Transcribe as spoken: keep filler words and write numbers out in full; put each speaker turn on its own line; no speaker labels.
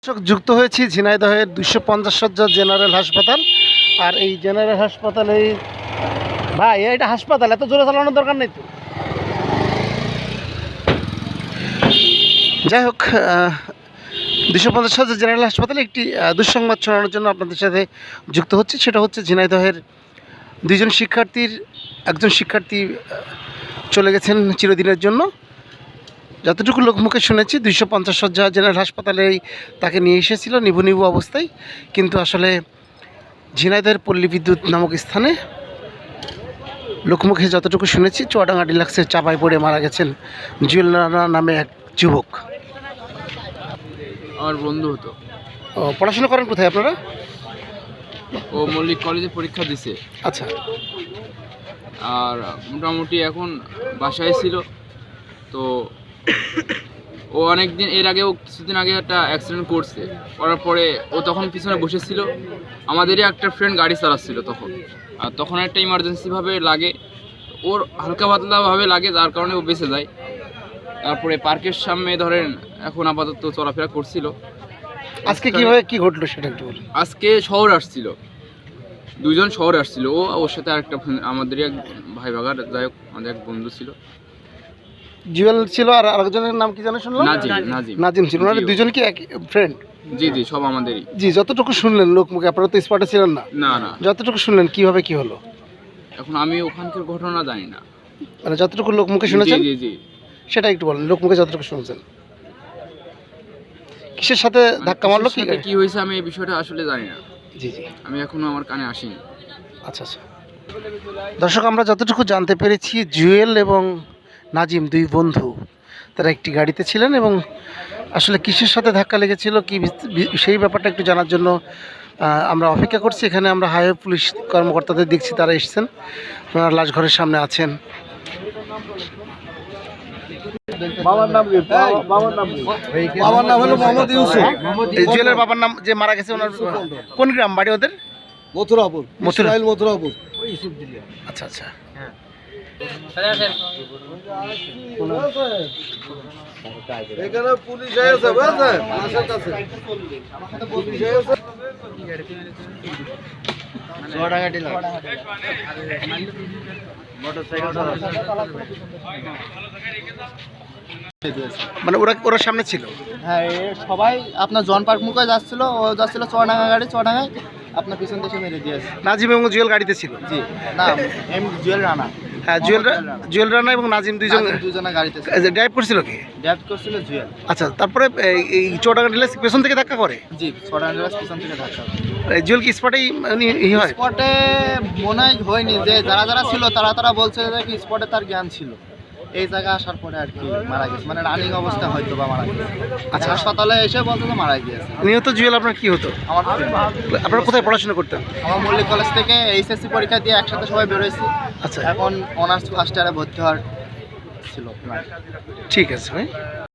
যুক্ত হয়েছি ঝিনাইদহের দুইশো পঞ্চাশ সজ্জা জেনারেল হাসপাতাল। আর এই জেনারেল হাসপাতালে ভাই এটা হাসপাতাল, এত জোরে চালানোর দরকার নেই তো। যাই হোক, দুইশো পঞ্চাশ সজ্জা জেনারেল হাসপাতালে একটি দুঃসংবাদ শোনানোর জন্য আপনাদের সাথে যুক্ত হচ্ছে। সেটা হচ্ছে ঝিনাইদহের দুইজন শিক্ষার্থীর একজন শিক্ষার্থী চলে গেছেন চিরদিনের জন্য। যতটুকু লোকমুখে শুনেছি দুইশো পঞ্চাশ সজ্জা জেনারেল হাসপাতালেই তাকে নিয়ে এসেছিল নিভু নিভু অবস্থায়, কিন্তু আসলে ঝিনাইদহের পল্লী বিদ্যুৎ নামক স্থানে লোকমুখে যতটুকু শুনেছি চুয়াডাঙ্গা ডিলাক্সের চাপায় পড়ে মারা গেছেন জুয়েল রানা নামে এক যুবক।
আমার বন্ধু হতো।
ও পড়াশোনা করেন কোথায় আপনারা?
ও মল্লিক কলেজে পরীক্ষা দিছে।
আচ্ছা।
আর মোটামুটি এখন বাসায় ছিল। তো ও অনেক দিন এর আগেও কিছুদিন আগে একটা অ্যাক্সিডেন্ট করছে, করার পরে ও তখন পিছনে বসেছিল। আমাদেরই একটা ফ্রেন্ড গাড়ি চালাচ্ছিল তখন, আর তখন একটা ইমার্জেন্সিভাবে লাগে, ওর হালকা পাতলাভাবে লাগে, যার কারণে ও বেঁচে যায়। তারপরে পার্কের সামনে ধরেন এখন আপাতত চলাফেরা করছিল।
আজকে কিভাবে কি ঘটলো সেটা একটু বলুন।
আজকে শহর আসছিল, দুইজন শহরে আসছিল, ও ওর সাথে আরেকটা আমাদেরই এক ভাই ভাগার যাই হোক আমাদের এক বন্ধু ছিল।
জুয়েল ছিল আর আরেকজনের নাম কি জানো শুনলাম?
নাজিম। নাজিম
নাজিম ছিল। ওনারা দুজন কি এক ফ্রেন্ড?
জি জি, সব আমাদেরই।
জি, যতটুকু শুনলেন লোকমুখে, আপনারা তো স্পটে ছিলেন না।
না না,
যতটুকু শুনলেন কিভাবে কি হলো?
এখন আমি ওখানকার ঘটনা জানি না,
মানে যতটুকু লোকমুখে শুনেছেন
জি জি
সেটা একটু বলেন। লোকমুখে যতটুকু শুনেছেন কিসের সাথে ধাক্কা মারলো, কি
কি হয়েছে আমি এই বিষয়টা আসলে জানি না।
জি জি,
আমি এখনো আমার কানে আসিনি।
আচ্ছা আচ্ছা। দর্শক, আমরা যতটুকু জানতে পেরেছি জুয়েল এবং নাজিম দুই বন্ধু, তারা একটি গাড়িতে ছিলেন এবং আসলে কিসের সাথে ধাক্কা লেগেছিল কি সেই ব্যাপারটা একটু জানার জন্য আমরা অপেক্ষা করছি। এখানে আমরা হাইওয়ে পুলিশ কর্মকর্তাদের দেখছি, তারা এসেছেন, আপনারা লাশ ঘরের সামনে আছেন।
বাবার নাম কি? বাবার নাম কি? বাবার নাম হলো মোহাম্মদ ইউসুফ।
জুয়েলের বাবার নাম যে মারা গেছে ওনার কোন গ্রাম বাড়ি ওদের?
মথুরাপুর। মথুরাইল মথুরাপুর।
আচ্ছা আচ্ছা।
এখানে পুলিশ এসেছে, বুঝছেন? মাসের কাছে পুলিশ এসেছে।
চুয়াডাঙ্গা ডিলার মোটরসাইকেল মানে ওরা ওরা সামনে ছিল।
হ্যাঁ, সবাই আপনার জন পার্ক মুখে যাচ্ছিল, ও যাচ্ছিল চুয়াডাঙ্গা গাড়ি, চুয়াডাঙ্গায় আপনার পিছন থেকে মেরে দিয়েছে।
নাজিম এবং জুয়েল গাড়িতে ছিল?
জি না, এম জুয়েল রানা।
হ্যাঁ, জুয়েল জুয়েল রানা এবং নাজিম দুইজন
দুজনে গাড়িতে
ড্রাইভ করছিল। কি
ড্রাইভ করছিল? জুয়েল।
আচ্ছা, তারপরে এই চুয়াডাঙ্গা ডিলাক্স পেছন থেকে ধাক্কা করে?
জি, চুয়াডাঙ্গা ডিলাক্স পিছন থেকে ধাক্কা।
জুয়েল কি স্পটেই হয়?
স্পটে মনে হয়নি, যে যারা যারা ছিল তারা তারা বলছে যে কি স্পটে তার জ্ঞান ছিল, এই জায়গায় আসার পরে আর কি মারা গেছে, মানে রানিং অবস্থা হয়তো বা মারা গেছে। আচ্ছা, হাসপাতালে এসে বলতো তো মারা গিয়েছে।
নিহত জুয়েল আপনার কি হতো?
আমার
আপনারা কোথায় পড়াশোনা করতেন?
আমার মল্লিক কলেজ থেকে এইচএসসি পরীক্ষা দিয়ে একসাথে সবাই বেরোয়েছি।
আচ্ছা,
এখন অনার্স ফার্স্ট ইয়ারে ভর্তি হওয়ার ছিল।
ঠিক আছে ভাই।